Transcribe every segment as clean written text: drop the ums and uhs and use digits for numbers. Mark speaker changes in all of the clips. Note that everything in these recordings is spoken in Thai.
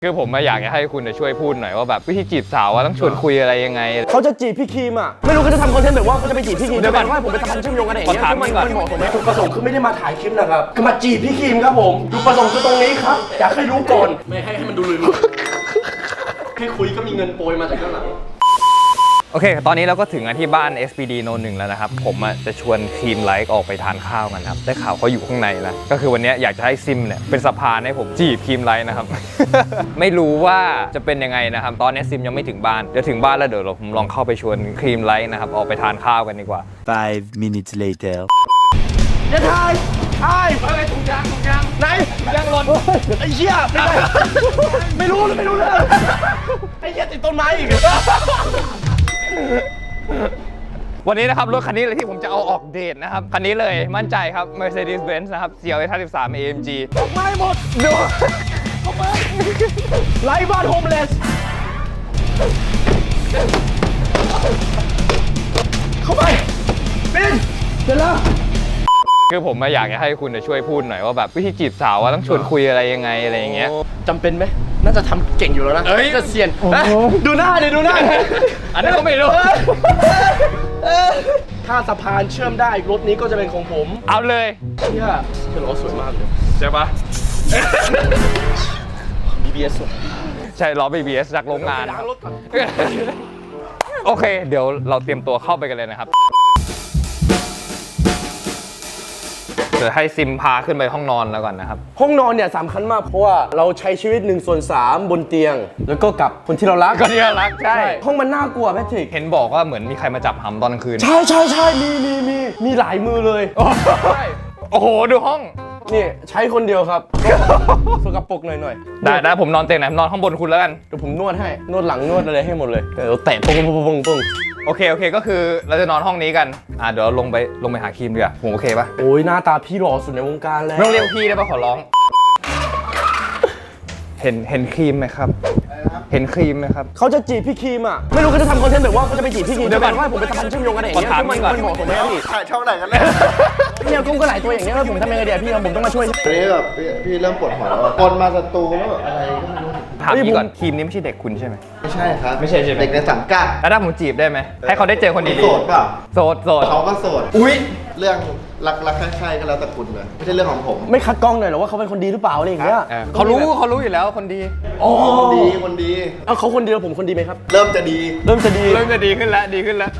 Speaker 1: คือผมอยากจะให้คุณช่วยพูดหน่อยว่าแบบวิธีจีบสาวว่าต้องชวนคุยอะไรยังไง
Speaker 2: เขาจะจีบพี่ครีมอ่ะไม่รู้เขาจะทำคอนเทนต์แบบว่าเขาจะไปจีบพี่ครีมเดี๋ยวก่อนว่าผมเป็นสะพานเชื่อมโยงกันอย่างเงี้ยมันเหมาะสมไหมจุดประสงค์คือไม่ได้มาถ่ายคลิปนะครับคือมาจีบพี่ครีมครับผมจุดประสงค์คือตรงนี้ครับอยากให้รู้ก่อนไม่ให้มันดูลืมแค่คุยก็มีเงินโปรยมาจากข้างหลัง
Speaker 1: โอเคตอนนี้เราก็ถึงที่บ้าน SPD โน1แล้วนะครับผมจะชวนครีมไลท์ออกไปทานข้าวกันครับได้ข่าวเขาอยู่ข้างในแล้วก็คือวันนี้อยากจะให้ซิมเนี่ยเป็นสะพานให้ผมจีบครีมไลท์นะครับ ไม่รู้ว่าจะเป็นยังไงนะครับตอนนี้ซิมยังไม่ถึงบ้านเดี๋ยวถึงบ้านแล้วเดี๋ยวผมลองเข้าไปชวนครีมไลท์นะครับออกไปทานข้าวกันดีกว่า
Speaker 3: 5 minutes later
Speaker 2: อย่าถ่ายอะไรถุงยางไหนถุงยางหล่นไอ้เหี้ยไม่ได้ไม่รู้เลยไอ้เหี้ยติดต้นไม้อีก
Speaker 1: วันนี้นะครับรถคันนี้เลยที่ผมจะเอาออกเดทนะครับคันนี้เลยมั่นใจครับ Mercedes-Benz นะครับ CLS 53 AMG
Speaker 2: ดอกไม้หมดดูเข้าไปไร้บ้านโฮมเลสเข้าไปเป็นเสร็จแล้ว
Speaker 1: คือผมอยากจะให้คุณช่วยพูดหน่อยว่าแบบวิธีจีบสาวว่าต้องชวนคุยอะไรยังไงอะไรอย่างเงี้ย
Speaker 2: จำเป็นไหมน่าจะทำเก่งอยู่แล้วนะจะเซียนดูหน้าดิดูหน้า
Speaker 1: อันนั้นก็ไม่รู้
Speaker 2: ถ้าสะพานเชื่อมได้รถนี้ก็จะเป็นของผม
Speaker 1: เอาเลย
Speaker 2: เชื่อล้อสวยมากเลย
Speaker 1: ใช่ปะ
Speaker 2: BBS สวย
Speaker 1: ใช่ล้อ BBS จากโรงงานโอเคเดี๋ยวเราเตรียมตัวเข้าไปกันเลยนะครับเดี๋ยวให้ซิมพาขึ้นไปห้องนอนแล้วก่อนนะครับ
Speaker 2: ห้องนอนเนี่ยสำคัญมากเพราะว่าเราใช้ชีวิต1/3บนเตียงแล้วก็กับคนที่เรารักใช่ห้องมันน่ากลัวแพทริก
Speaker 1: เห็นบอกว่าเหมือนมีใครมาจับหำตอนกลางคืน
Speaker 2: ใช่มีหลายมือเลย
Speaker 1: โอ้โหดูห้อง
Speaker 2: นี่ใช้คนเดียวครับสกปรกหน่อย
Speaker 1: ได้ผมนอนเตียงไหนนอนข้างบนคุณแล้วกัน
Speaker 2: เดี๋ยวผมนวดให้นวดหลังนวดอะไรให้หมดเลยเดี๋ยวแตะปง
Speaker 1: โอเคก็คือเราจะนอนห้องนี้กันเดี๋ยวลงไปหาครีมดีกว่าผมโอเคปะ
Speaker 2: โอ้ยหน้าตาพี่หล่อสุดในวงการแล้ว
Speaker 1: ไม่ต้องเรียกพี่ได้ปะขอร้องเห็นครีมไหมครับเห็นครีมไหมครับ
Speaker 2: เขาจะจีบพี่ครีมอ่ะไม่รู้เขาจะทำคอนเทนต์แบบว่าเขาจะไปจีบพี่ครีมเดี๋ยวก่อนว่าผมเป็นสะพานเชื่อมโยงกันอย่างเงี้ยมันเหมาะสมไหมพี่
Speaker 4: ถ่ายช่องไหนกันแน่
Speaker 2: เนี่ยกุ้งก็หลายตัวอย่างเงี้ยแล้วผมทำยังไงดีพี่ผมต้องมาช่วย
Speaker 4: ตอนนี้แบบพี่เริ่มปวดหัวแล้วคนมาสตูแล้วแบบอะไรก็ไม่รู้
Speaker 1: ถามพี่ก่อนครีมนี้ไม่ใช่เด็กคุณใช่ไหม
Speaker 4: ไม่ใช่ครับ
Speaker 1: ไม่ใช่ใช่ไหม
Speaker 4: เด็กในสังกัด
Speaker 1: แล้วถ้าผมจีบได้ไหมให้เขาได้เจอคนดี
Speaker 4: โสดเปล่า
Speaker 1: โสด
Speaker 4: เขาก็โสด
Speaker 2: อุ้ย
Speaker 4: เรื่องรักใช่ก็แล้วแต่คุณเลยไม่ใช่เรื่องของผม
Speaker 2: ไม่คัดกล้องหน่อยหรอว่าเขาเป็นคนดีหรือเปล่าอะไรอย่างเงี้ย
Speaker 1: เขารู้อยู่แล้วคนดี
Speaker 4: คนดี
Speaker 2: เขาคนดีแล้วผมคนดีไหมครับ
Speaker 4: เริ่มจะดี
Speaker 1: ขึ้นแล้ว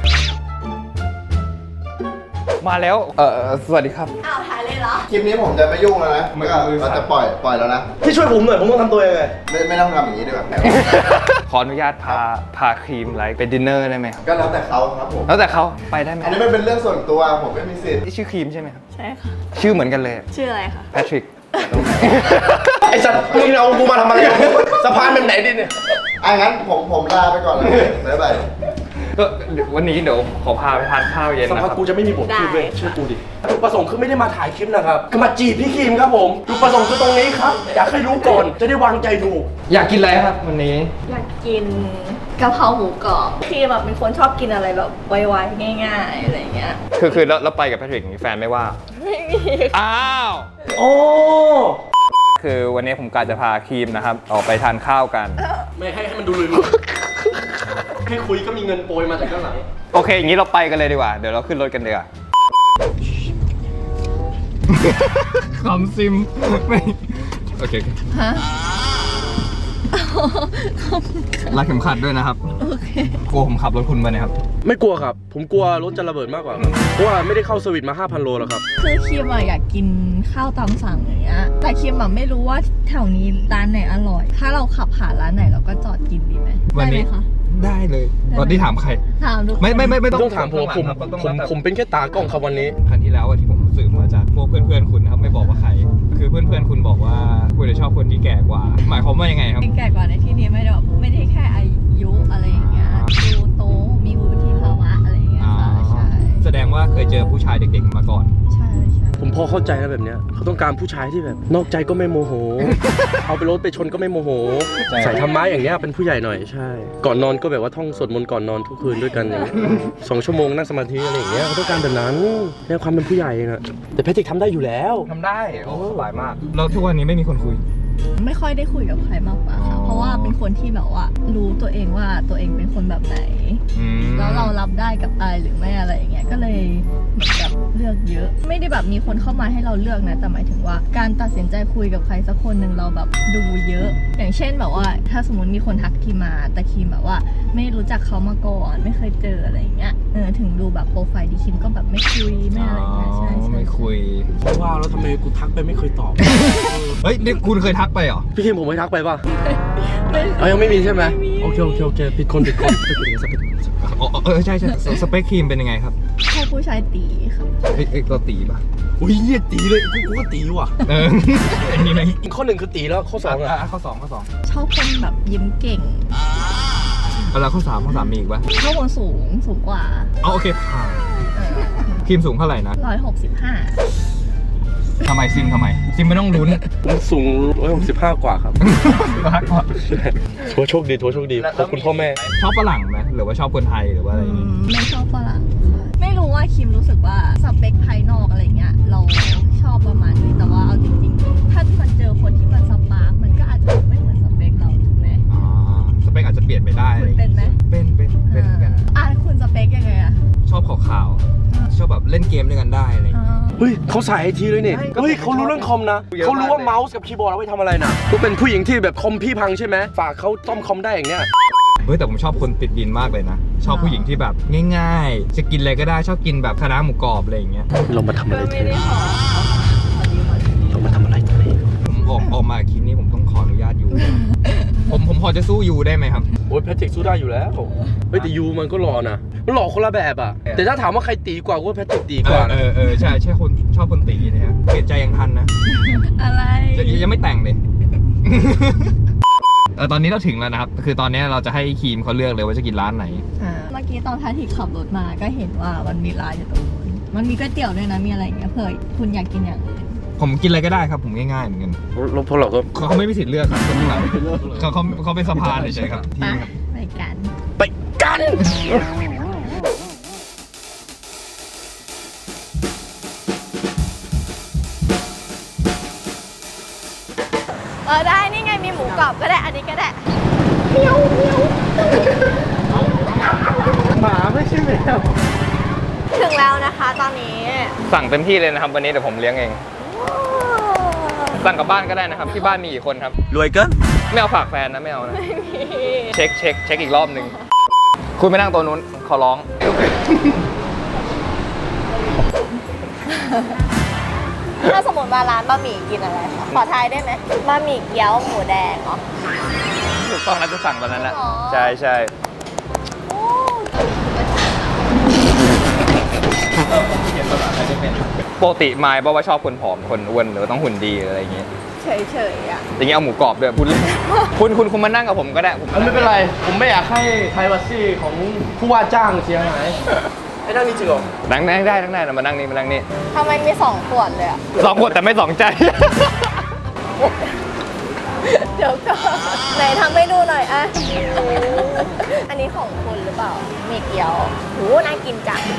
Speaker 1: มาแล้วสวัสดีครับ
Speaker 5: อ้าวถ่ายเลยเหรอ
Speaker 4: คลิปนี้ผมจะไม่ยุ่งแล้วนะเราจะปล่อยแล้วนะ
Speaker 2: พี่ช่วยผมหน่อยผมต้องทำตัวยังไง
Speaker 4: ไม่ต้องทำอย่างนี้ดีกว่า
Speaker 1: ขออนุญาตพาครีมไลท์ไปดินเนอร์ได้ไหม
Speaker 4: ก็แล้วแต่เขาครับผม
Speaker 1: แล้วแต่เขาไปได้ไหม
Speaker 4: อันนี้มันเป็นเรื่องส่วนตัวผมไม่มีสิทธิ์
Speaker 1: นี่ชื่อครีมใช่ไหมครับ
Speaker 5: ใช่ค่ะ
Speaker 1: ชื่อเหมือนกันเลย
Speaker 5: ชื่ออะไรคะ
Speaker 1: แพทริก
Speaker 2: ไอ้สัตว์มึงเอากูมาทำอะไรสะพานแบบไหนดิเนี่ย
Speaker 4: งั้นผมลาไปก่อนเลยบ๊ายบาย
Speaker 1: ก็วันนี้เดี๋ยวขอพาไปทานข้าวเย็นนะครับ
Speaker 2: สักพักกูจะไม่มีบทพูดเลยเชื่อกูดิจุดประสงค์คือไม่ได้มาถ่ายคลิปนะครับคือมาจีบพี่ครีมครับผมจุดประสงค์คือตรงนี้ครับอยากให้รู้ก่อนจะได้วางใจถูก
Speaker 1: อยากกินอะไรครับวันนี้
Speaker 5: อยากกินกะเพราหมูกรอบพี่แบบเป็นคนชอบกินอะไรแบบไวๆง่ายๆอะไรเงี้ย
Speaker 1: คือแล้วไปกับแพทริกมีแฟนไม่ว่า
Speaker 5: ไม่มี
Speaker 1: อ้าว
Speaker 2: โอ้
Speaker 1: คือวันนี้ผมกะจะพาครีมนะครับออกไปทานข้าวกัน
Speaker 2: ไม่ให้มันดูลืมแค่คุยก็มีเงินโปรยมาจากข้างหลัง
Speaker 1: โอเคอย่างนี้เราไปกันเลยดีกว่าเดี๋ยวเราขึ้นรถกันดีกว่าคำซิมไม่โอเค
Speaker 5: ฮะ
Speaker 1: รัดเข็มขัดด้วยนะครับ
Speaker 5: โอเค
Speaker 1: กลัวผมขับรถคุณไปเนี่ยครับ
Speaker 2: ไม่กลัวครับผมกลัวรถจะระเบิดมากกว่าเพราะว่าไม่ได้เข้าสวิตมา 5,000 โลแล้วครับ
Speaker 5: คือคิมอยากกินข้าวตามสั่งอย่างเงี้ยแต่คิมไม่รู้ว่าแถวนี้ร้านไหนอร่อยถ้าเราขับผ่านร้านไหนเราก็จอดกินดีไหม
Speaker 1: ได้ไหมคะได้เลยตอนที่ถามใคร
Speaker 5: ถามทุกคน
Speaker 1: ไม่
Speaker 2: ต้องถามผมเป็นแค่ตากล้องครับวันนี้
Speaker 1: ครั้งที่แล้วที่ผมสืบมาจากพวกเพื่อนคุณนะครับไม่บอกว่าใครคือเพื่อนคุณบอกว่าคุณจะชอบคนที่แก่กว่าหมายความว่ายังไงครับ
Speaker 5: แก่กว่าในที่นี้ไม่ได้แค่อายุอะไรอย่างเงี้ยดูโตมีวุฒิภาวะอะไรอย่างเงี้ยค่ะใช่
Speaker 1: แสดงว่าเคยเจอผู้ชายเด็กๆมาก่อน
Speaker 5: ใช่
Speaker 2: ผมพอเข้าใจนะแบบเนี้ยเขาต้องการผู้ชายที่แบบนอกใจก็ไม่โมโหเอาไปรถไปชนก็ไม่โมโหใส่ธรรมะอย่างเงี้ยเป็นผู้ใหญ่หน่อยใช่ก่อนนอนก็แบบว่าท่องสวดมนต์ก่อนนอนทุกคืนด้วยกันอย่าง2 ชั่วโมงนั่งสมาธิอะไรอย่างเงี้ยเขาต้องการแบบนั้นเนี่ยความเป็นผู้ใหญ่นะแต่แพทริกทำได้อยู่แล้ว
Speaker 1: ทำได้โอ้สบายมากแล้วทุกวันนี้ไม่มีคนคุย
Speaker 5: ไม่ค่อยได้คุยกับใครมากกว่าค่ะเพราะว่าคนที่แบบว่ารู้ตัวเองว่าตัวเองเป็นคนแบบไหน แล้วเรารับได้กับอะไรหรือไม่อะไรอย่างเงี้ยก็เลยเหมือนกับเลือกเยอะ ไม่ได้แบบมีคนเข้ามาให้เราเลือกนะแต่หมายถึงว่าการตัดสินใจคุยกับใครสักคนหนึ่งเราแบบดูเยอะ อย่างเช่นแบบว่าถ้าสมมติมีคนทักคิมมาแต่คิมแบบว่าไม่รู้จักเขามาก่อนไม่เคยเจออะไรอย่างเงี้ยถึงดูแบบโปรไฟล์ดีคิมก็แบบไม่คุยไม่อะไรอย่างเงี้ยใช่ใช่
Speaker 1: ไม่คุย
Speaker 2: ว้าวแล้วทำไมกูทักไปไม่เคยตอบ
Speaker 1: เฮ้ยนี่คุณเคยทักไปเหรอ
Speaker 2: พี่คิมผมไม่ทักไปป่ะ
Speaker 5: ไม่
Speaker 2: ยังไม่มีใช่ไหม
Speaker 5: ไม่มี
Speaker 2: โอเคผิดคน
Speaker 1: อ๋อใช่สเปคครีมเป็นยังไงครับ
Speaker 5: ชอบผู้ชายตีค่ะ
Speaker 1: เราตีป่ะ
Speaker 2: อุ้ยเหี้ยตีเลยกูก็ตีว่ะ
Speaker 1: มีไหม
Speaker 2: อีกข้อหนึ่งคือตีแล้วข้อสองอ่ะ
Speaker 1: ข้อสอง
Speaker 5: ชอบคนแบบยิ้มเก่ง
Speaker 1: แล้วข้อสามมีอีกป่ะ
Speaker 5: ชอบคนสูงกว่า
Speaker 1: อ๋อโอเคผ่านครีมสูงเท่าไหร่นะ
Speaker 5: 165
Speaker 1: ทำไมซิมไม่ต้องลุ้น
Speaker 2: ผมสูง165 กว่าครับ
Speaker 1: มากกว่า
Speaker 2: ถือว่าโชคดีขอบคุณพ่อแม่
Speaker 1: ชอบฝรั่งไหมหรือว่าชอบคนไทยหรือว่าอะไรอย่างงี้
Speaker 5: ไม่ชอบฝรั่งค่ะไม่รู้ว่าคิมรู้สึกว่าสเปคภายนอกอะไรเงี้ยเราชอบประมาณนี้แต่ว่าเอาจริงๆถ้ามันเจอคนที่มันสปาร์กมันก็อาจจะไม่เหมือนสเปคเราถูกไหม
Speaker 1: สเปคอาจจะเปลี่ยนไปได้
Speaker 5: คุณเป็นไหม
Speaker 1: เป็นเหมือนกัน
Speaker 5: คุณสเปคยังไงอะ
Speaker 1: ชอบขาวๆชอบแบบเล่นเกมด้วยกันได้อะไรอย่างเงี้ย
Speaker 2: เฮ้ยเขาสายไอทีเลยเนี่ยเฮ้ยเขารู้เรื่องคอมนะเขารู้ว่าเมาส์กับคีย์บอร์ดเอาไว้ทำอะไรนะกูเป็นผู้หญิงที่แบบคอมพี่พังใช่ไหมฝากเขาซ่อมคอมได้อย่างเงี้ย
Speaker 1: เฮ้ยแต่ผมชอบคนติดดินมากเลยนะ ชอบผู้หญิงที่แบบง่ายๆ จะกินอะไรก็ได้ชอบกินแบบคะน้าหมูกรอบอะไรอย่างเงี้ย
Speaker 2: เรามาทำอะไร
Speaker 5: ก็
Speaker 2: เธ
Speaker 5: ไม่
Speaker 2: อ
Speaker 5: ได้ขอ
Speaker 2: เรามาทำอะไรตรงนี้
Speaker 1: ผมออกมาคลิปนี้ผมต้องขออนุญาตยู ผมพอจะสู้ยูได้ไหมครับ
Speaker 2: โอ้ยแพทริกสู้ได้อยู่แล้วเฮ้ยแต่ยูมันก็หล่อนะมันหล่อคนละแบบอ่ะแต่ถ้าถามว่าใครตีกว่าก็แพทริกตีกว่านะ
Speaker 1: ใช่คนชอบคนตีนะฮะเปลี่ยนใจยังทันนะ
Speaker 5: อะไร
Speaker 1: ยังไม่แต่งเลย ตอนนี้เราถึงแล้วนะครับคือตอนนี้เราจะให้ครีมเขาเลือกเลยว่าจะกินร้านไหน
Speaker 5: เมื่อกี้ตอนท้ายที่ขับรถมาก็เห็นว่ามันมีร้านอยู่ตรงนู้นมันมีก๋วยเตี๋ยวด้วยนะมีอะไรอย่างเงี้ยเผื่อคุณอยากกินอย่างอื่น
Speaker 1: ผมกินอะไรก็ได้ครับผมง่ายๆเหมือนกัน
Speaker 2: แล้วพวกเราก็
Speaker 1: เขาไม่มีสิทธิ์เลือกครับคนข้างหลังเขาเป็นสะพานเฉยๆครับที่ครับ
Speaker 5: ไปกัน
Speaker 2: ไปกัน
Speaker 5: ได้นี่ไงมีหมูกรอบก็ได้อันนี้ก็ได้
Speaker 2: หมาไม่ใช่แมว
Speaker 5: ถึงแล้วนะคะตอนนี้
Speaker 1: สั่งเต็มที่เลยนะครับวันนี้เดี๋ยวผมเลี้ยงเอง สั่งกลับบ้านก็ได้นะครับที่บ้านมีกี่คนครับ
Speaker 3: รวยเกิน
Speaker 1: ไม่เอาฝากแฟนนะไม่เอานะเช็คอีกรอบหนึ่งคุณไปนั่งตัวนู้นขอร้อง
Speaker 5: ถ้าสมมติมาร้านบะหมี่กินอะไรคะขอทายได้ไหมบะหมี่เกี๊ยวหมูแดงเหรอ
Speaker 1: ถูกต้องแล้วจะสั่งตอนนั้นแหละ
Speaker 5: อ๋อ
Speaker 1: ใช่
Speaker 5: โอ้
Speaker 1: ปกติไมค์บอกว่าชอบคนผอมคนอ้วนหรือว่าต้องหุ่นดีอะไรอย่างเงี้ย
Speaker 5: เฉยๆอ่ะ
Speaker 1: อย่างเงี้ยเอาหมูกรอบด้วยพูดเลย คุณมานั่งกับผมก็ได้ผม
Speaker 2: ไม่เป็นไร ผมไม่อยากให้ไพรวาซีของผู้ว่าจ้างเสียหายไอ้นั่นนี่จริงเหรอ
Speaker 1: นั่งได้นะมานั่งนี่
Speaker 5: ทำไมมี2 ขวดเลยอ่ะ
Speaker 1: 2 ขวดแต่ไม่2 ใจ
Speaker 5: เดี๋ยวก่อนไหนทำให้ดูหน่อยอะอันนี้ของคุณหรือเปล่า มีเกี๊ยวโหน่ากินจัง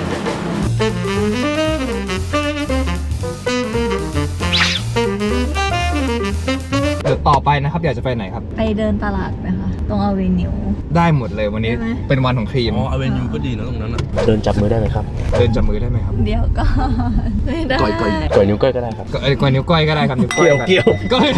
Speaker 1: เดี๋ยวต่อไปนะครับอยากจะไปไหนครับ
Speaker 5: ไปเดินตลาดไหมคะตรงอเวนิว
Speaker 1: ได้หมดเลยวันนี้
Speaker 5: ได้ไหม
Speaker 1: เป็นวันของครีม
Speaker 2: อ๋ออเวนิวก็ดีนะตรงนั้นอ่ะ เดินจับมือได้ไหมครับ
Speaker 1: เดินจับมือได้ไหมครับ
Speaker 5: เดี๋ยวก่อนไม่ได้
Speaker 2: ก่อยนิ้วก้อยก็ได้ครับ
Speaker 1: กนิ้วก้อยก็ได้ครับนิ้วก้อย
Speaker 2: เกี่ยว
Speaker 1: ก้อย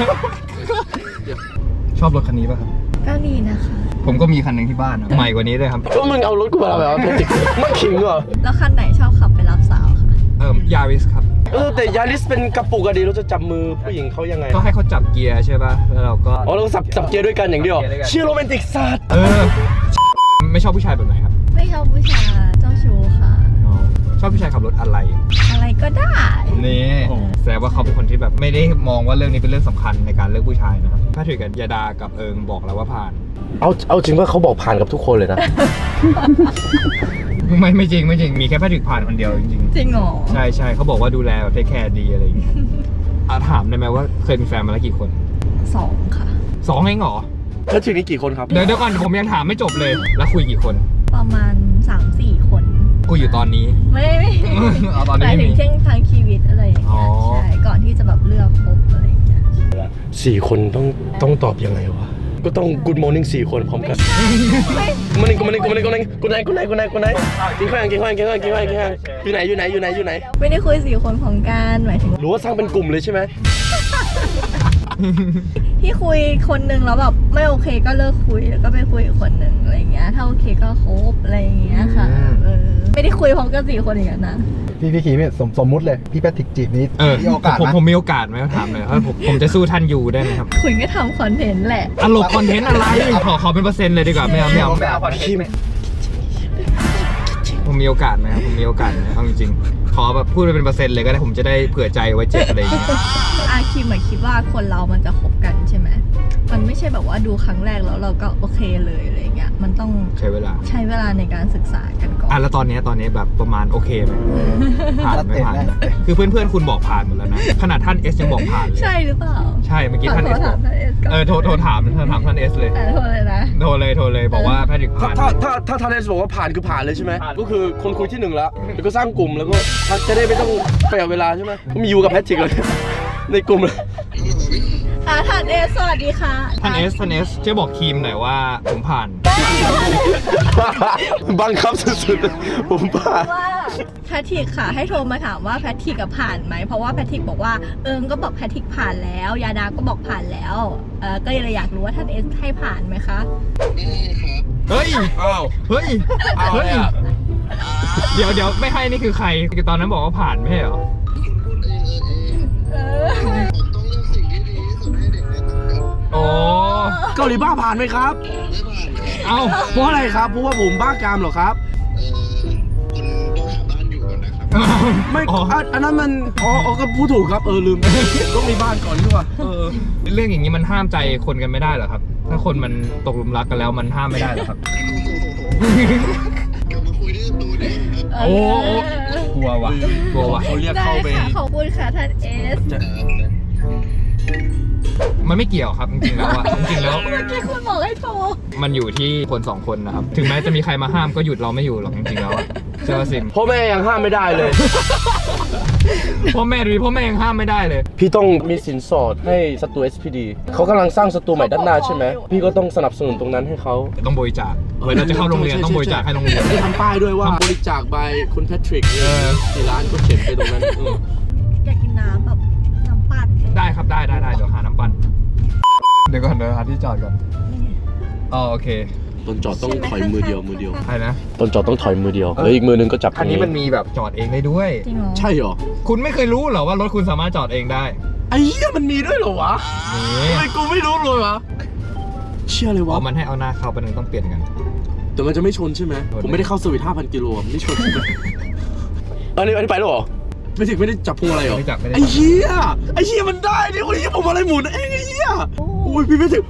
Speaker 1: ชอบรถคันนี้ป่ะครับ
Speaker 5: ก็ดีนะคะ
Speaker 1: ผมก็มีคันหนึ่งที่บ้านอะใหม่กว่านี้ด้วยครับ
Speaker 2: ก็มึงเอารถกูมาแบบว่าเพชรไม่ขิงเหรอ
Speaker 5: แล้วคันไหนชอบขับไปรับสาวคะ
Speaker 1: ยาริสครับ
Speaker 2: แต่ยาริสเป็นกระปุกอะดีเราจะจับมือผู้หญิงเขายังไง
Speaker 1: ก็ให้เขาจับเกียร์ใช่ป่ะแล้วเราก็
Speaker 2: อ๋อเราสับเกียร์ด้วยกันอย่างเดียว เชื่อโรแมนติกสัตว์
Speaker 1: ไม่ชอบผู้ชายแบบไหนครับ
Speaker 5: ไม่ชอบผู้ชายเจ้าชู้ค่ะ
Speaker 1: ชอบผู้ชายขับรถอะไร
Speaker 5: อะไรก็ได้
Speaker 1: นี่แสดงว่าเขาเป็นคนที่แบบไม่ได้มองว่าเรื่องนี้เป็นเรื่องสำคัญในการเลือกผู้ชายนะครับถ้าถือกับยาดากับเอิงบอกแล้วว่าผ่าน
Speaker 2: เอาจริงว่าเขาบอกผ่านกับทุกคนเลยนะ
Speaker 1: ไม่จริงมีแค่แพทริกผ่านคนเดียวจริง
Speaker 5: จริงเหรอ
Speaker 1: ๆใช่เขาบอกว่าดูแลแบบเทคแคร์ดีอะไรอย่างเงี้ยถามได้ไหมว่าเคยมีแฟนมาแล้วกี่คน
Speaker 5: 2 ค่ะ
Speaker 1: 2 เองเหรอ
Speaker 2: แล้วทีนี้กี่คนครับ
Speaker 1: เดี๋ยวก่อนผมยังถามไม่จบเลยแล้วคุยกี่คน
Speaker 5: ประมาณ 3-4 คน
Speaker 1: คุยอยู่ตอนนี้
Speaker 5: ไม่
Speaker 1: เอาตอน
Speaker 5: ห
Speaker 1: นี้
Speaker 5: มาย
Speaker 1: ไม่
Speaker 5: ถึ
Speaker 1: มี
Speaker 5: งเช่นทางชีวิตอะไรอย่าง
Speaker 1: อ๋
Speaker 5: เงี้
Speaker 1: อ
Speaker 5: ยใช่ก่อนที่จะแบบเลือกคบอะไรอย่างเงี้ย
Speaker 2: 4 คนต้องตอบยังไงวะก็ต้อง Good Morning 4 คนพร้อมกันกูมานี่กูไหนกินข้าวอยู่ไหน
Speaker 5: ไม่ได้คุย4 คนของกันหมายถึง
Speaker 2: หรือว่าสร้างเป็นกลุ่มเลยใช่ไหม
Speaker 5: ที่คุยคนนึงแล้วแบบไม่โอเคก็เลิกคุยแล้วก็ไปคุยอีกคนนึงอะไรเงี้ยถ้าโอเคก็คบอะไรอย่างเงี้ยค่ะไม่ได้คุยพร้อมกัน4 คนอย่างนั้นนะ
Speaker 6: พี่ขีเนี่ยสมมุติเลยพี่แพทริกจีบนี้มีโอกาสไหม
Speaker 1: ผมมีโอกาสไหมถามเลยครับผมจะสู้ท่านอยู่ได้ไหมครับ
Speaker 5: คุณก็ทำคอนเทนต์แหละ
Speaker 1: ตลกคอนเทนต์อะไรขอเป็นเปอร์เซ็นต์เลยดีกว่าไม่เอาผมมีโอกาสไหมครับผมมีโอกาสไหมเอาจริงๆขอแบบพูดไปเป็นเปอร์เซ็นต์เลยก็ได้ผมจะได้เผื่อใจไว้เจ็บอะไรอย่างเงี้ย
Speaker 5: อาคิมคิดว่าคนเรามันจะคบกันใช่ไหมมันไม่ใช่แบบว่าดูครั้งแรกแล้วเราก็โอเคเลยอะไรเงี้ยมันต้อง
Speaker 1: ใช้เวลาใน
Speaker 5: การศึกษากันก่อน
Speaker 1: แล้วตอนนี้แบบประมาณโอเคไหมผ่านไม่ผ่านคือเพื่อนๆคุณบอกผ่านหมดแล้วนะขนาดท่านเอสยังบอกผ่านเลย
Speaker 5: ใช่หรือเปล่า
Speaker 1: ใช่เมื่อกี้ท่านเอส
Speaker 5: ถามท่านเอสก่อน
Speaker 1: โทรถามท่านเอสเลย
Speaker 5: โทรเลยนะ
Speaker 1: โทรเลยบอกว่าแพทริกผ่าน
Speaker 2: ถ้าทาเลสบอกว่าผ่านคือผ่านเลยใช่ไหมก็คือคนคุยที่ 1แล้วก็สร้างกลุ่มแล้วก็จะได้ไม่ต้องเสียเวลาใช่ไหมก็มีอยู่กับแพทริกเลยในกลุ่มเลย
Speaker 5: ท่านเอสสวัสดีค่ะ
Speaker 1: ท่านเอสช่วยบอกทีมหน่อยว่าผมผ่าน
Speaker 2: บังคับสุดๆผมผ่าน
Speaker 5: ว่าแพทริกค่ะให้โทรมาถามว่าแพทริกผ่านไหมเพราะว่าแพทริกบอกว่าก็บอกแพทริกผ่านแล้วยาดาก็บอกผ่านแล้วก็เลยอยากรู้ว่าท่านเอสให้ผ่านไหมคะ
Speaker 1: เฮ้ย
Speaker 2: อ้าว
Speaker 1: เฮ้ยเดี๋ยวไม่ให้นี่คือใครตอนนั้นบอกว่าผ่านไม่ใช่เหรอโอ้
Speaker 2: เกาหลีบ้าผ่านไหมครับ
Speaker 1: เอ้า
Speaker 2: เพราะอะไรครับเพราะว่าผมบ้ากามเหรอครับไม่อันนั้นมันก็พูดถูกครับลืมต้องมีบ้านก่อนดีกว่า
Speaker 1: เรื่องอย่างนี้มันห้ามใจคนกันไม่ได้เหรอครับ ถ้าคนมันตกหลุมรักกันแล้วมันห้ามไม่ได้เหรอครับโอ้กลัวว่ะ
Speaker 2: เขาเรียกเข้าไป
Speaker 5: ได้ค่ะขอบคุณค่ะท่านเอส
Speaker 1: มันไม่เกี่ยวครับจริงๆแล้วอะจริงๆแล้ว
Speaker 5: เมื่อกี้คุณบอกให้โทร
Speaker 1: มันอยู่ที่คน2 คนนะครับถึงแม้จะมีใครมาห้ามก็หยุดเราไม่อยู่หรอกจริงๆแล้วอะเชื่อว่าซิม
Speaker 2: พ่อแม่ยังห้ามไม่ได้เลย
Speaker 1: พ่อแม่ยังห้ามไม่ได้เลย
Speaker 2: พี่ต้องมีสินสอดให้สตู SPD เขากำลังสร้างสตูใหม่ด้านหน้าใช่ไหมพี่ก็ต้องสนับสนุนตรงนั้นให้เขา
Speaker 1: ต้องบริจาคเวลาจะเข้าโรงเรียนต้องบริจาคให้โรงเรียน
Speaker 2: ได้ทำป้ายด้วยว่าบริจาคบายคุณแพทริกกี่ล้านก็เขียนไปตรงนั้น
Speaker 5: อยากกินน้ำแบบน้ำปั่น
Speaker 1: ได้ครับได้เดี๋ยวหาน้ำปั่นเดี๋ยวหาที่จอดก่อนอ๋อโอเค
Speaker 2: ตอนจอดต้องถอยมือเดียว
Speaker 1: ใช่นะ
Speaker 2: ตอนจอดต้องถอยมือเดียวแล้วอีกมือนึงก็จับ
Speaker 1: คันนี้มันมีแบบจอดเองได้ด้วย
Speaker 5: จริงเหรอ
Speaker 2: ใช่เหรอ
Speaker 1: คุณไม่เคยรู้เหรอว่ารถคุณสามารถจอดเองได้
Speaker 2: ไอ้เหี้ยมันมีด้วยเหรอวะ
Speaker 1: นี่
Speaker 2: ทำไมกูไม่รู้เลยวะเชื่อเลยวะ
Speaker 1: มันให้เอาหน้าเข้าไปหนึ่งต้องเปลี่ยนกัน
Speaker 2: แต่มันจะไม่ชนใช่ไหมผมไม่ได้เข้าสวิต 5,000 กิโลไม่ชนใช่ไหมอันนี้ไปแล้วเหรอไม่ได้จับพวงอะไรเหรอ
Speaker 1: ไม่จับ
Speaker 2: ไอ้เหี้ยมันได้ดิโอ้ยผมอะไรหมุนเองไอ้เหี้ยโอ้ยพี่ไม่ถึง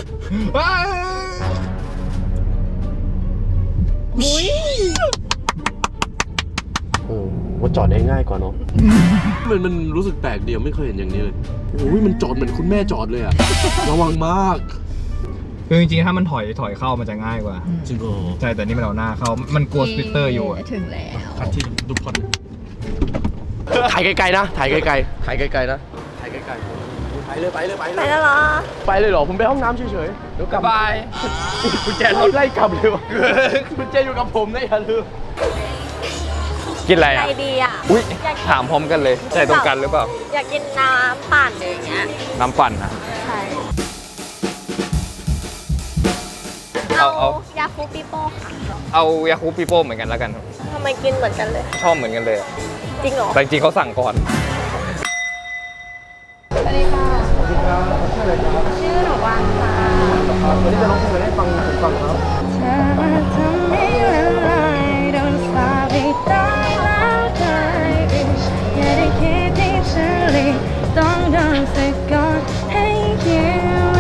Speaker 5: อุ้ย
Speaker 2: ว่าจอดได้ง่ายกว่าเนาะมันรู้สึกแปลกเดียวไม่เคยเห็นอย่างนี้เลยโอ้ยมันจอดเหมือนคุณแม่จอดเลยอะระวังมาก
Speaker 1: คือจริงๆถ้ามันถอยเข้ามันจะง่ายกว่า
Speaker 2: จริงเหรอ
Speaker 1: ใช่แต่นี่มันเอาหน้าเข้ามันกลัวสปิตเตอร์อยู่อะ
Speaker 5: ถึงแล้ว
Speaker 2: คันที่ดูพอนถ่ายไกลๆนะถ่ายไกลๆนะถ่ายไกลๆไปเลย
Speaker 5: ไปแล้วเหรอ
Speaker 2: ไปเลยเหรอผมไปห้องน้ำเฉยๆเดี๋ยวกลับ
Speaker 1: บาย
Speaker 2: กุญแจรถไล่กลับเลยวะกุญแจอยู่กับผมนะอย่าลืม
Speaker 1: กินอะไร
Speaker 5: ใจ
Speaker 1: อ่ะ
Speaker 5: ดีอ่ะ
Speaker 1: อุ้ยถามพร้อมกันเลยใจตรงกันหรือเปล่า
Speaker 5: อยากกินน้ำปั่นอย่างเงี้ย
Speaker 1: น้ำปั่นนะ
Speaker 5: ใช่
Speaker 1: เอา
Speaker 5: ยาคูปิโป้ค่ะ
Speaker 1: เอายาคูปิโป้เหมือนกันแล้วกัน
Speaker 5: ทำไมกินเหมือนกันเลย
Speaker 1: ชอบเหมือนกันเลยอะ
Speaker 5: จริงเหรอ
Speaker 1: แต่จริงๆเขาสั่งก่อน
Speaker 5: สวัสดีค่ะสวัสดีครับชื่อหนูวานค่ะ
Speaker 2: วันนี้จะร้องเพลงให้ฟังครับ
Speaker 5: เธอมาทำให้ละลายโดนสาบให้ตายแล้วตายอีกอย่าได้คิดที่ฉันเลยต้องโดนสะกดให้ยิ้ม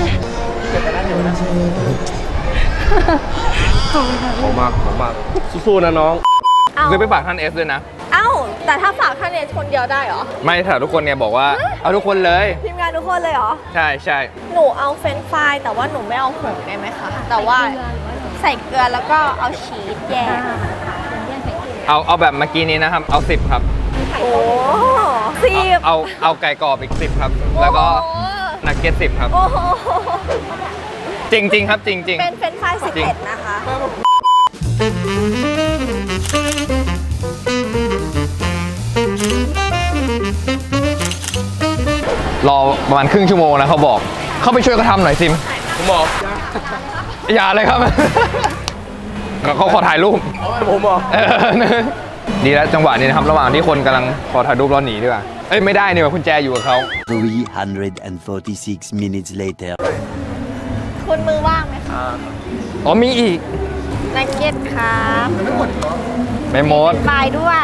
Speaker 2: ขอบมากสู้ๆนะน้อง
Speaker 1: คือไปฝากท่านเอสด้วยนะ
Speaker 5: เอ้าแต่ถ้าฝากท่านเอสคนเดียวได้เหรอ
Speaker 1: ไม่แต่ทุกคนเนี่ยบอกว่าเอาทุกคนเลย
Speaker 5: ทีมงานทุกคนเลยเหรอ
Speaker 1: ใช่
Speaker 5: หนูเอาเฟรนช์ฟรายแต่ว่าหนูไม่เอาผงได้ไหมคะ แต่ว่าใส่เกลือแล้วก็เอาชีสแยก
Speaker 1: เอาแบบเมื่อกี้นี้นะครับเอา10ครับ
Speaker 5: โอ้สิบ
Speaker 1: เอาไก่กรอบอีก10ครับแล้วก็นักเก็ต10ครับ
Speaker 5: โอ้โห
Speaker 1: จริงๆครับจริง
Speaker 7: เป็นเฟรนช์ฟราย11นะคะ
Speaker 1: รอประมาณครึ่งชั่วโมงนะเขาบอก เข้าไปช่วยเขาทำหน่อยซิมผมบอกอย่าเลยครับ เขาขอถ่ายรูปผมบอกดีแล้วจังหวะนี้นะครับระหว่างที่คนกำลังขอถ่ายรูปเราหนีดีกว่าเอ้ยไม่ได้นี่ว่ากุญแจอยู่กับเขา
Speaker 3: 346 minutes later.
Speaker 7: คุณมือว่างไหมคะ
Speaker 1: อ๋อมีอีก
Speaker 7: นักเก็ตครับ
Speaker 1: ไม่หมด
Speaker 7: ปลายด้วย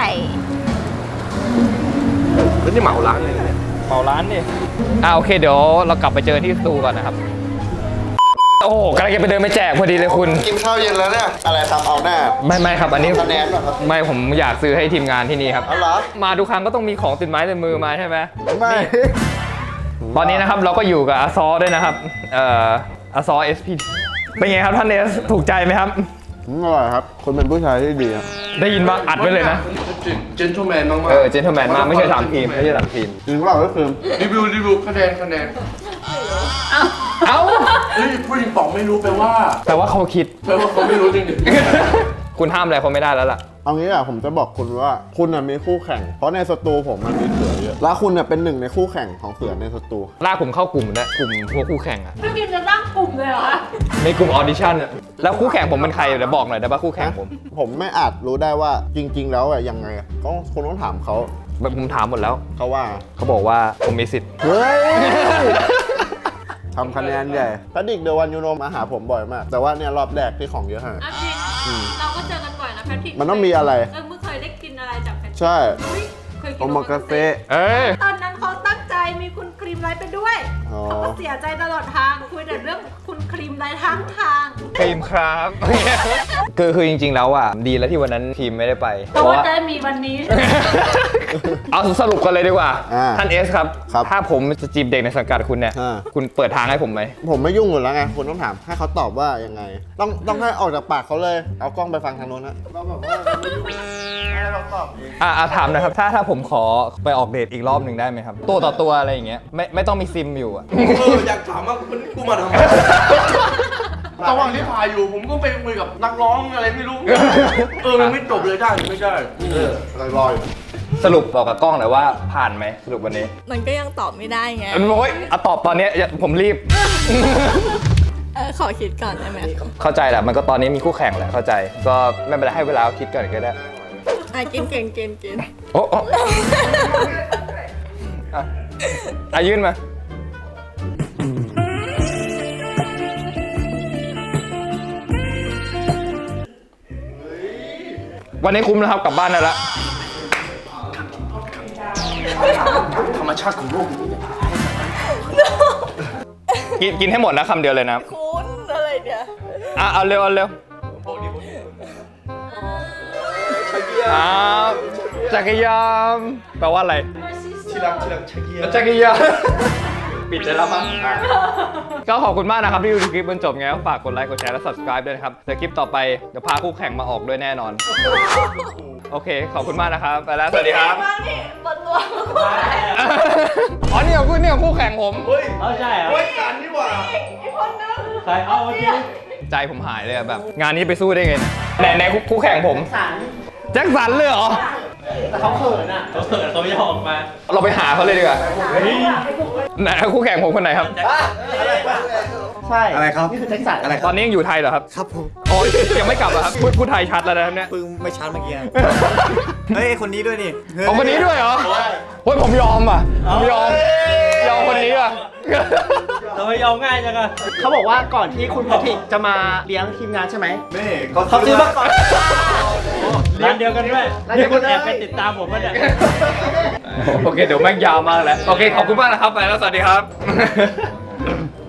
Speaker 2: แล้วนี่เหมาร้านเลยเนี่ย
Speaker 1: เมาร้านนี่โอเคเดี๋ยวเรากลับไปเจอที่สตูก่อนนะครับโอ้โหกำลังจะไปเดินไปแจกพอดีเลยคุณ
Speaker 4: กินข้าวเย็นแล้วเนี่ย อะไรทำเอาหน้า
Speaker 1: ไม่ครับอันนี้
Speaker 4: คะแนนเหรอครับ
Speaker 1: ไม่ผมอยากซื้อให้ทีมงานที่นี่ครับ
Speaker 4: เอาเหรอ
Speaker 1: มาทุกครั้งก็ต้องมีของติดไม้ติดมือมาใช่ไหม
Speaker 4: ไม่
Speaker 1: ตอนนี้นะครับเราก็อยู่กับอาซอด้วยนะครับอาซอ SP เป็นไงครับท่านเอสถูกใจไหมครับ
Speaker 4: อร่อยครับคนเป็นผู้ชายที่ดีครับ
Speaker 1: ได้ยินบ้างอัดไว้เลยนะ
Speaker 2: เจนทูแมนมาก
Speaker 1: เจนเทอร์แมนมากไม่ใช่3 ทีมไม่ใช่3 ทีม
Speaker 4: จริงเปล่าก็คือ
Speaker 2: รีวิวคะแนน
Speaker 1: เอ้า
Speaker 2: เฮ้ยผู้หญิงป๋องไม่รู้แปลว่า
Speaker 1: แต่ว่าเขาคิด
Speaker 2: แปลว่าเขาไม่รู้จริง
Speaker 1: คุณห้ามอะไรเขาไม่ได้แล้วล่ะ
Speaker 4: เอางี้อะผมจะบอกคุณว่าคุณน่ะมีคู่แข่ง เพราะในสตูผมมันมีเสือเยอะ แล้วคุณน่ะเป็นหนึ่งในคู่แข่งของเสือในสตู
Speaker 1: ลากผมเข้ากลุ่มนะกลุ่มพวกคู่แข่งอะ
Speaker 7: พี่บิมจะตั้งกลุ่มเลยเหรอคะ
Speaker 1: ในกลุ่มออดิชั่นอะแล้วคู่แข่งผมเป็นใครเดี๋ยวบอกหน่อยได้ป่ะคู่แข่งผม
Speaker 4: ผมไม่อาจรู้ได้ว่าจริง ๆ แล้วอะยังไงอะก็คุณต้องถามเขา
Speaker 1: ผมถามหมดแล้ว
Speaker 4: เขาว่า
Speaker 1: เขาบอกว่าผมมีสิทธิ์
Speaker 4: เฮ้ย ทำคะแนนใหญ่พระดิกเดวันยูโนมาหาผมบ่อยมาก แต่ว่าเนี่ยรอบแรกที่ของเยอะฮะ
Speaker 8: อ่ะจริงเราก็เจอกันบ่อยนะแพทริก
Speaker 4: มันต้องมีอะไร
Speaker 8: มึงเคยได้กินอะไรจากแพทริก
Speaker 4: ใช่
Speaker 8: อุ๊ยเคยกิน
Speaker 4: โอมากาเสะ
Speaker 1: เอ้ย
Speaker 8: ตอนนั้นเขาตั้งใจมีคุณครีมไลท์ไปด้วย
Speaker 4: อ๋อ
Speaker 8: เขาก็เสียใจตลอดทางคุยแต่เรื่องคุณครีมไลท์ทั้งทาง
Speaker 1: ทีมครับ คือจริงๆแล้วอ่ะดีแล้วที่วันนั้นทีมไม่ได้ไป
Speaker 8: เพราะว่าจะมีวันนี้
Speaker 1: เอาสรุปกันเลยดีกว่า
Speaker 4: อ่า
Speaker 1: ท่านเอสครับ
Speaker 4: ครับ
Speaker 1: ถ้าผมจะจีบเด็กในสังกัดคุณเนี่ย
Speaker 4: อ่า
Speaker 1: คุณเปิดทางให้ผมไหม
Speaker 4: ผมไม่ยุ่งอยู่แล้วไง คุณต้องถามให้เขาตอบว่ายังไง ต้องให้ออกจากปากเขาเลย เอากล้องไปฟังทางโน้นนะเราแบบว่าเราไม่ยุ่งให้เราตอบเอง
Speaker 1: ถามหนะครับ ถ้าผมขอไปออกเดทอีกรอบหนึ่งได้ไหมครับ ตัวต่อตัวอะไรอย่างเงี้ยไม่ต้องมีซิมอยู่อะ
Speaker 2: อยากถามว่ากูมาทำไมระหว่างที่พายอยู่ผมก็ไปคุยกับนักร้องอะไรไม่รู้ มันไม่จบเลยได้หรือไม่ได้
Speaker 4: ลอย
Speaker 1: สรุปบอกกับกล้องหน่อยว่าผ่านไหมสรุปวันนี้
Speaker 5: มันก็ยังตอบไม่ได้ไง
Speaker 1: โอ้ยตอบตอนเนี้ยผมรีบ
Speaker 5: ขอคิดก่อนได้ไหม
Speaker 1: เข้าใจแหละมันก็ตอนนี้มีคู่แข่งแหละเข้าใจ ก็ไม่เป็นไรให้เวลาคิดก่อนก็ได้
Speaker 5: กิน
Speaker 1: โอ้ยื่นมา วันนี้คุ้มแล้วครับกลับบ้านได้แล้ว
Speaker 2: ธรรมชาติของโลกนี้
Speaker 1: กินให้หมดนะคำเดียวเลยนะ
Speaker 5: คุณอะไรเนี่ย
Speaker 1: เอาเร็วจักรยานแปลว่าอะไร
Speaker 2: ที่รักชักเกียร์
Speaker 1: จักรยานปิดได้แล้วมั้งก็ขอบคุณมากนะครับที่ดูคลิปจนจบไงก็ฝากกดไลค์กดแชร์และ subscribe ด้วยนะครับเดี๋ยวคลิปต่อไปเดี๋ยวพาคู่แข่งมาออกด้วยแน่นอน โอเคขอบคุณมากนะครับไปแล้วสวัสดีครับ
Speaker 5: มานี่บนตัว
Speaker 1: อ๋อนี่ของคุณนี่ของคู่แข่งผม
Speaker 2: เฮ้ยกันนี่หว่า
Speaker 1: ใจผมหายเลยอะแบบ งานนี้ไปสู้ได้ไงเนี่ยในคู่แข่งผมแจ็คสันเลยเหรอแต่เขาเขินเขาไม่ยอมออกมาเราไปหาเขาเลยดีกว่าไหนคู่แข่งผมคนไหนครับ
Speaker 6: ใช่ อะไรครับ นี่คือแจ็คสันอะไร
Speaker 1: ตอนนี้ยังอยู่ไทยเหรอครับ
Speaker 6: ครับผม
Speaker 1: อ๋อยังไม่กลับเหรอครับพูดไทยชัดแล้วนะครับเนี่ย
Speaker 6: ปึ้งไม่ชัดเมื่อกี้ เฮ้ย คนนี้ด้วยนี่
Speaker 1: เอาคนนี้ด้วยเหรอเฮ้ยผมยอมอ่ะผมยอมคนนี้อ่ะ
Speaker 9: เราไม่ยอมง่ายจังอะเขาบอกว่าก่อนที่คุณแพทริกจะมาเลี้ยงทีมงานใช่ไหม
Speaker 6: นี่
Speaker 9: เขาซื้อมาก่อนเลี้ยงเดียวกันด้วยนี่คุณแอบไปติดตามผมมาเนี่ย
Speaker 1: โอเคเดี๋ยวแม่งยาวมากแล้วโอเคขอบคุณมากนะครับไปแล้วสวัสดีครับ